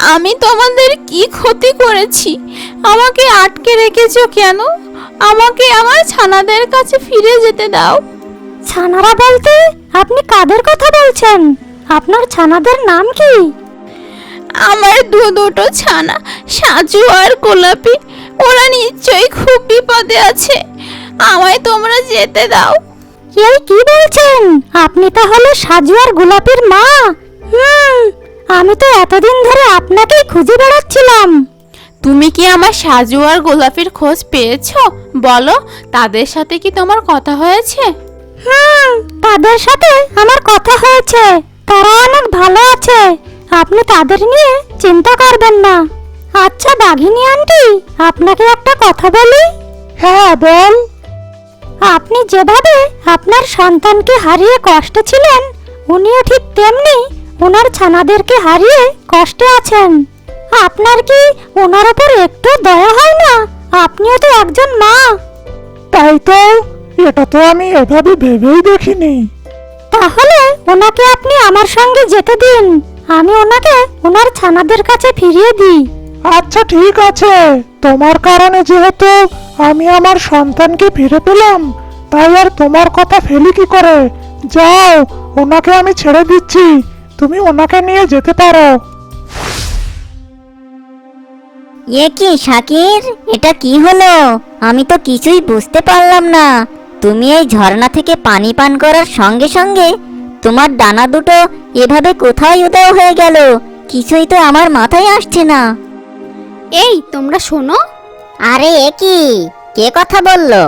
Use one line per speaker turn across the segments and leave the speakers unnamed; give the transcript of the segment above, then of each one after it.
আমি তোমাদের কি ক্ষতি করেছি? আমাকে আটকে রেখেছো কেন? আমাকে আমার ছানাদের কাছে ফিরে যেতে দাও।
ছানারা বলতে আপনি কাদের কথা বলছেন? আপনার ছানাদের নাম কি?
আমার দুটো ছানা, সাজু আর গোলাপি, ওরা নিশ্চয়ই খুব বিপদে আছে। আমায় তোমরা যেতে দাও।
এই কি বলছেন? আপনি তাহলে সাজু আর গোলাপের মা? আমি তো এতদিন ধরে আপনাকেই খুঁজে বেড়াচ্ছিলাম।
তুমি কি আমার সাজু আর গোলাপের খোঁজ পেয়েছো? বলো, তাদের সাথে কি তোমার কথা হয়েছে?
তাদের সাথে আমার কথা হয়েছে। তারা অনেক ভালো আছে। আপনি তাদের নিয়ে চিন্তা করবেন না। আচ্ছা বাঘিনী আন্টি, আপনাকে একটা কথা বলি। হ্যাঁ বল। আপনি যেভাবে আপনার সন্তানকে হারিয়ে কষ্টে ছিলেন, উনিও ঠিক তেমনি ওনার ছানাদেরকে হারিয়ে কষ্টে আছেন। আপনার কি ওনার উপর একটু দয়া হয় না? আপনিও তো একজন মা।
তাই তো, এটা তো আমি এভাবে ভেবেই দেখিনি।
তাহলে ওনাকে আপনি আমার সঙ্গে যেতে দিন। আমি ওনাকে ওনার ছানাদের কাছে ফিরিয়ে দিই।
আচ্ছা ঠিক আছে, তোমার কারণে যেহেতু আমি আমার সন্তানকে ফিরে পেলাম, তাই আর তোমার কথা ফেলি কি করে। যাও, ওনাকে আমি ছেড়ে দিচ্ছি, তুমি ওনাকে নিয়ে যেতে পারো।
এ কি শাকির, এটা কি হলো? আমি তো কিছুই বুঝতে পারলাম না। তুমি এই ঝর্ণা থেকে পানি পান করার সঙ্গে সঙ্গে তোমার ডানা দুটো এভাবে কোথায় উধাও হয়ে গেল? কিছুই তো আমার মাথায় আসছে না।
এই তোমরা শোনো।
আরে এ কি, কে কথা বললো?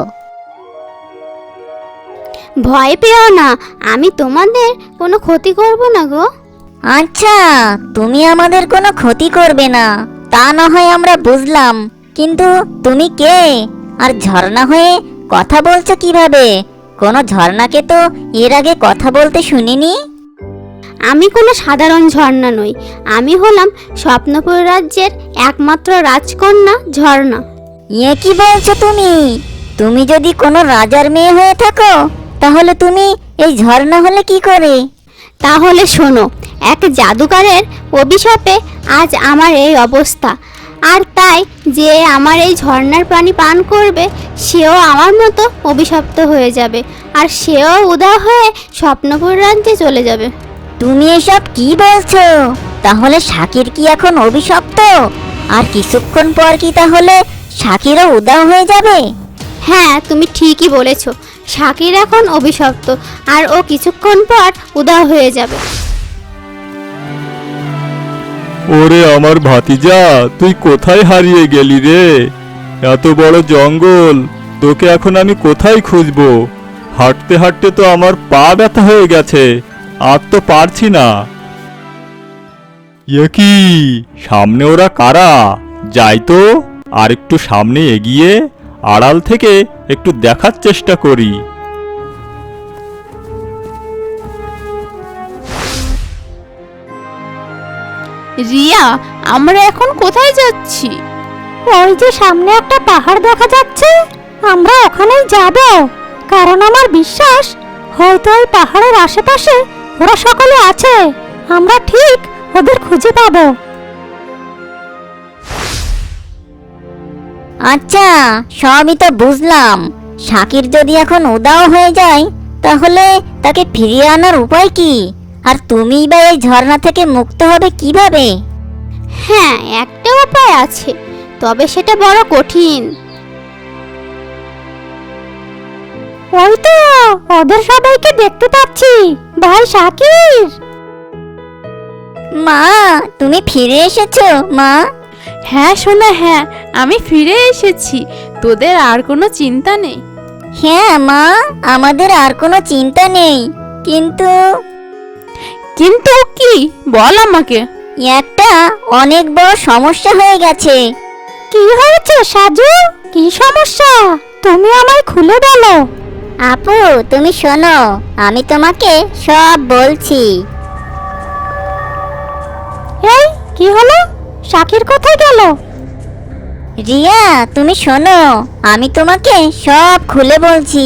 ভয় পেও না, আমি তোমাদের কোনো ক্ষতি করব না গো।
আচ্ছা, তুমি আমাদের কোনো ক্ষতি করবে না, তা না হয় আমরা বুঝলাম, কিন্তু তুমি কে? আর ঝর্ণা হয়ে কথা বলছো কিভাবে? কোনো ঝর্ণাকে তো এর আগে কথা বলতে শুনিনি।
আমি কোনো সাধারণ ঝর্ণা নই, আমি হলাম স্বপ্নপুর রাজ্যের একমাত্র রাজকন্যা ঝর্ণা।
এ কি বলছো তুমি? তুমি যদি কোনো রাজার মেয়ে হয়ে থাকো, তাহলে তুমি এই ঝর্ণা হলে কি করে?
তাহলে শোনো, এক জাদুকরের অভিশাপে আজ আমার এই অবস্থা। আর তাই যে আমার এই ঝর্ণার পানি পান করবে, সেও আমার মতো অভিশপ্ত হয়ে যাবে, আর সেও উধাও হয়ে স্বপ্নপুর রাজ্যে চলে যাবে।
তুমি এসব কি বলছো? তাহলে শাকির কি এখন অভিশপ্ত? আর কিছুক্ষণ পর কি তাহলে শাকিরও উধাও হয়ে যাবে?
হ্যাঁ, তুমি ঠিকই বলেছ। শাকির এখন অভিশপ্ত, আর ও কিছুক্ষণ পর উধাও হয়ে যাবে।
ওরে আমার ভাতিজা, তুই কোথায় হারিয়ে গেলি রে? এত বড় জঙ্গল, তোকে এখন আমি কোথায় খুঁজবো? হাঁটতে হাঁটতে তো আমার পা ব্যথা হয়ে গেছে, আর তো পারছি না। এ কি, সামনে ওরা কারা? যাই তো, আর একটু সামনে এগিয়ে আড়াল থেকে একটু দেখার চেষ্টা করি।
রিয়া, আমরা এখন কোথায় যাচ্ছি?
ওই যে সামনে একটা পাহাড় দেখা যাচ্ছে, আমরা ওখানেই যাব। কারণ আমার বিশ্বাস, হয়তো ওই পাহাড়ের আশেপাশে ওরা সকলে আছে। আমরা ঠিক ওদের খুঁজে পাবো।
আচ্ছা, সবই তো বুঝলাম। শাকির যদি এখন উধাও হয়ে যায়, তাহলে তাকে ফিরিয়ে আনার উপায় কি? আর তুমিই বা এই ঝর্ণা থেকে মুক্ত হবে কিভাবে?
হ্যাঁ, একটা উপায় আছে, তবে সেটা বড় কঠিন।
ওই তো ওদের সবাইকে দেখতে পাচ্ছি। ভাই শাকির!
মা, তুমি ফিরে এসেছো মা?
হ্যাঁ সোনা, হ্যাঁ, আমি ফিরে এসেছি। তোদের আর কোনো চিন্তা নেই।
হ্যাঁ মা, আমাদের আর কোনো চিন্তা নেই, কিন্তু
কিন্তু কি, বল আমাকে।
একটা অনেক বড় সমস্যা হয়ে গেছে।
কি হয়েছে সাজু? কি সমস্যা? তুমি আমায় খুলে বলো।
আপু, তুমি শোনো, আমি তোমাকে সব বলছি।
এই কি হলো? শাকির কোথায় গেল?
রিয়া, তুমি শোনো, আমি তোমাকে সব খুলে বলছি।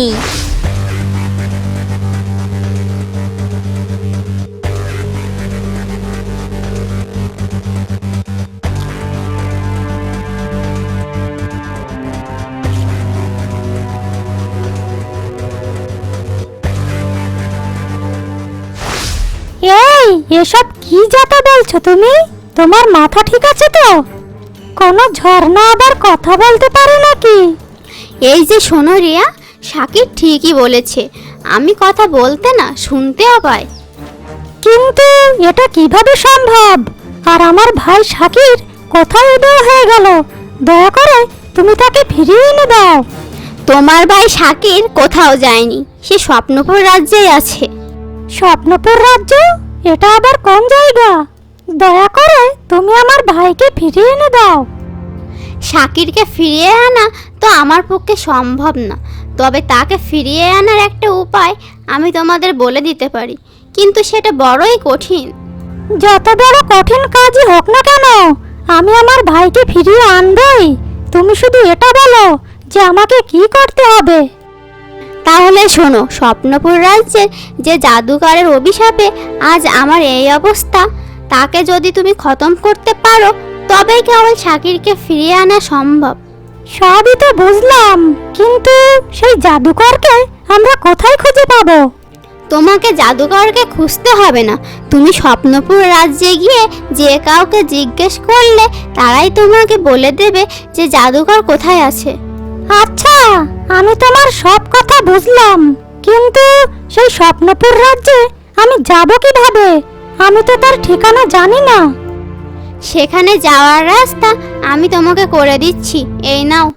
এসব কি যাতা বলছো তুমি? তোমার মাথা ঠিক আছে তো? কোনো ঝর্ণা আবার কথা বলতে পারে নাকি?
এই যে শোনো রিয়া, শাকির ঠিকই বলেছে, আমি কথা বলতে না শুনতেও পাই।
কিন্তু এটা কিভাবে সম্ভব? আর আমার ভাই শাকির কোথায় উদয় হয়ে গেল? দয়া করে তুমি তাকে ফিরিয়ে এনে দাও।
তোমার ভাই শাকির কোথাও যায়নি, সে স্বপ্নপুর রাজ্যেই আছে।
স্বপ্নপুর রাজ্য? এটা আবার কোন জায়গা? দয়া করে তুমি আমার ভাইকে ফিরিয়ে এনে দাও।
শাকিরকে ফিরিয়ে আনা তো আমার পক্ষে সম্ভব না, তবে তাকে ফিরিয়ে আনার একটা উপায় আমি তোমাদের বলে দিতে পারি, কিন্তু সেটা বড়ই কঠিন।
যত বড় কঠিন কাজই হোক না কেন, আমি আমার ভাইকে ফিরিয়ে আনবই। তুমি শুধু এটা বলো যে আমাকে কি করতে হবে।
তাহলে শোনো, স্বপ্নপুর রাজ্যের যে জাদুকরের অভিশাপে আজ আমার এই অবস্থা, তাকে যদি তুমি খতম করতে পারো তবেই কেবল শাকিরকে ফিরিয়ে আনা সম্ভব।
সবই তো বুঝলাম, কিন্তু সেই জাদুকরকে আমরা কোথায় খুঁজে পাবো?
তোমাকে জাদুকরকে খুঁজতে হবে না, তুমি স্বপ্নপুর রাজ্যে গিয়ে যে কাউকে জিজ্ঞেস করলে তারাই তোমাকে বলে দেবে যে জাদুকর কোথায় আছে।
আচ্ছা, আমি তোমার সব কথা বুঝলাম, কিন্তু সেই স্বপ্নপুর রাজ্যে আমি যাব কিভাবে? আমি তো তার ঠিকানা জানি না।
সেখানে যাওয়ার রাস্তা আমি তোমাকে করে দিচ্ছি, এই নাও।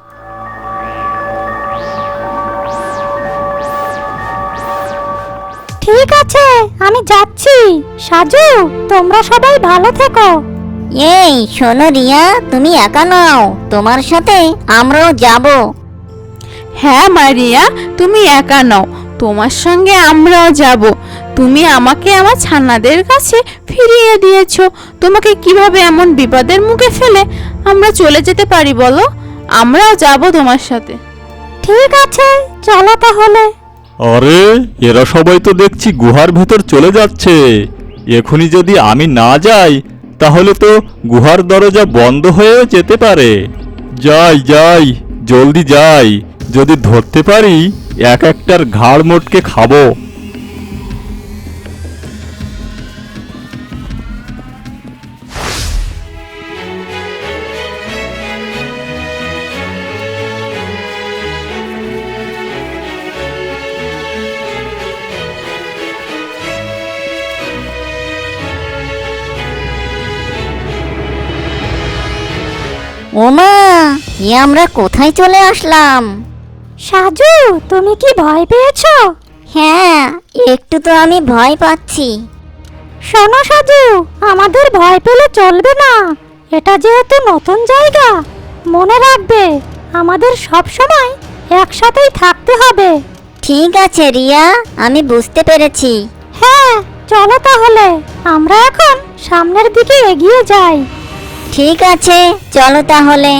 ঠিক আছে, আমি যাচ্ছি। সাজু, তোমরা সবাই ভালো থেকো।
এই শোনো রিয়া, তুমি একা নাও, তোমার সাথে আমরাও যাব।
হ্যাঁ মারিয়া, তুমি একা নও, তোমার সঙ্গে আমরাও যাব। তুমি আমাকে আমার ছানাদের কাছে ফিরিয়ে দিয়েছো, তোমাকে কিভাবে এমন বিপদের মুখে ফেলে আমরা চলে যেতে পারি বলো? আমরাও যাব তোমার সাথে।
ঠিক আছে, চলো তাহলে।
আরে এরা সবাই তো দেখছি গুহার ভেতর চলে যাচ্ছে। এখনই যদি আমি না যাই তাহলে তো গুহার দরজা বন্ধ হয়েও যেতে পারে। যাই যাই, জলদি যাই, যদি ধরতে পারি এক একটার ঘাড় মোটকে খাবো।
ওমা, এ আমরা কোথায় চলে আসলাম?
সাজু, তুমি কি ভয় পেয়েছো?
হ্যাঁ, একটু তো আমি ভয় পাচ্ছি।
শোনো সাজু, আমাদের ভয় পেলে চলবে না। এটা যেহেতু নতুন জায়গা, মনে রাখবে আমাদের সব সময় একসাথেই থাকতে হবে।
ঠিক আছে রিয়া, আমি বুঝতে পেরেছি।
হ্যাঁ, চলো তাহলে আমরা এখন সামনের দিকে এগিয়ে যাই।
ঠিক আছে, চলো তাহলে।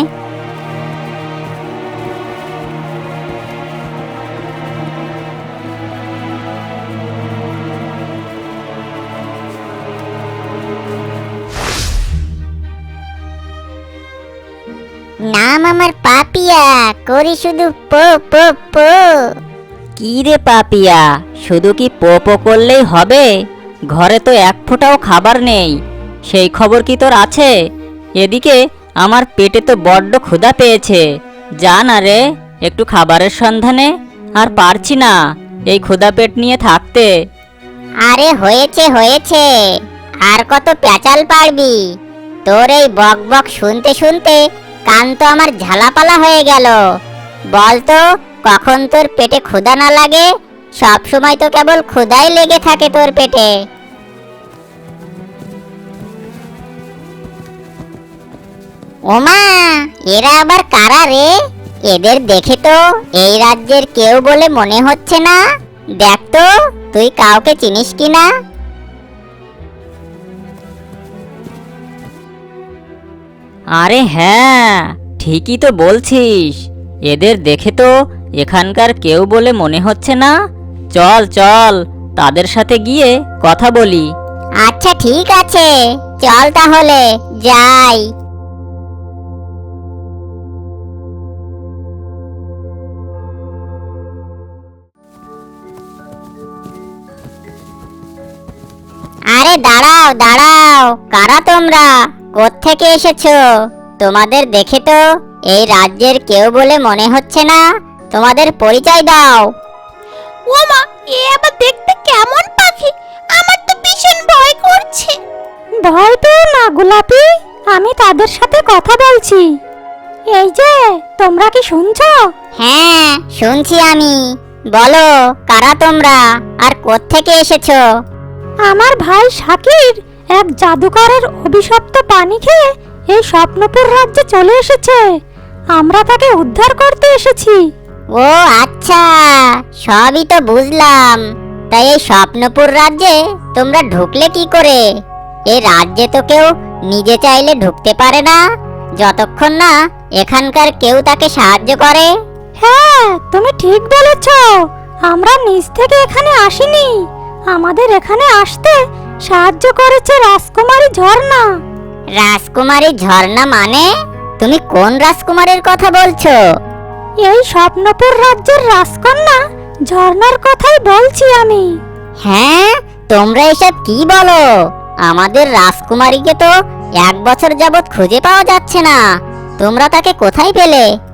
নাম আমার পাপিয়া, করি শুধু পো পো পো। কি রে পাপিয়া, শুধু কি পো পো করলেই হবে? ঘরে তো এক ফোঁটাও খাবার নেই, সেই খবর কি তোর আছে? এদিকে আমার পেটে তো বড্ড ক্ষুধা পেয়েছে। যা না রে, একটু খাবারের সন্ধানে। আর পারছি না এই ক্ষুধা পেট নিয়ে থাকতে।
আরে হয়েছে হয়েছে, আর কত প্যাচাল পারবি? তোর এই বক বক শুনতে শুনতে কান তো আমার ঝালাপালা হয়ে গেল। বল তো, কখন তোর পেটে ক্ষুধা না লাগে? সব সময় তো কেবল ক্ষুধাই লেগে থাকে তোর পেটে। ওমা, এরা আবার কারা রে? এদের দেখে তো এই রাজ্যের কেউ বলে মনে হচ্ছে না। দেখ তো, তুই কাউকে চিনিস কিনা?
আরে হ্যাঁ, ঠিকই তো বলছিস, এদের দেখে তো এখানকার কেউ বলে মনে হচ্ছে না। চল চল, তাদের সাথে গিয়ে কথা বলি।
আচ্ছা ঠিক আছে, চল তাহলে যাই। আরে আরে দাঁড়াও দাঁড়াও, কারা তোমরা? কোত্থেকে এসেছো? তোমাদের দেখে তো এই রাজ্যের কেউ বলে মনে হচ্ছে না। তোমাদের পরিচয় দাও।
ও মা, এ আবার দেখতে কেমন পাখি? আমার তো ভীষণ ভয় করছে।
ভয় পেও না গোলাপি, আমি তাদের সাথে কথা বলছি। এই যে, তোমরা কি শুনছো?
হ্যাঁ শুনছি আমি। বলো কারা তোমরা আর কোত্থেকে এসেছো?
আমার ভাই শাকির এক জাদুকরের অভিশপ্ত পানি খেয়ে এই স্বপ্নপুর রাজ্যে চলে এসেছে। আমরা তাকে উদ্ধার করতে এসেছি।
ও আচ্ছা, সবই তো বুঝলাম। তাই এই স্বপ্নপুর রাজ্যে তোমরা ঢুকলে কি করে? এই রাজ্যে তো কেউ নিজে চাইলে ঢুকতে পারে না, যতক্ষণ না এখানকার কেউ তাকে সাহায্য করে।
হ্যাঁ, তুমি ঠিক বলেছ। আমরা নিজ থেকে এখানে আসিনি। আমাদের এখানে আসতে সাহায্য করেছে রাজকুমারী ঝর্ণা।
রাজকুমারী ঝর্ণা মানে? তুমি কোন রাজকুমারীর কথা বলছো?
এই স্বপ্নপুর রাজ্যের রাজকন্যা ঝর্ণার কথাই বলছি আমি।
হ্যাঁ, তোমরা এসব কি বলো? আমাদের রাজকুমারীকে তো 1 বছর যাবৎ খুঁজে পাওয়া যাচ্ছে না। তোমরা তাকে কোথায় পেলে?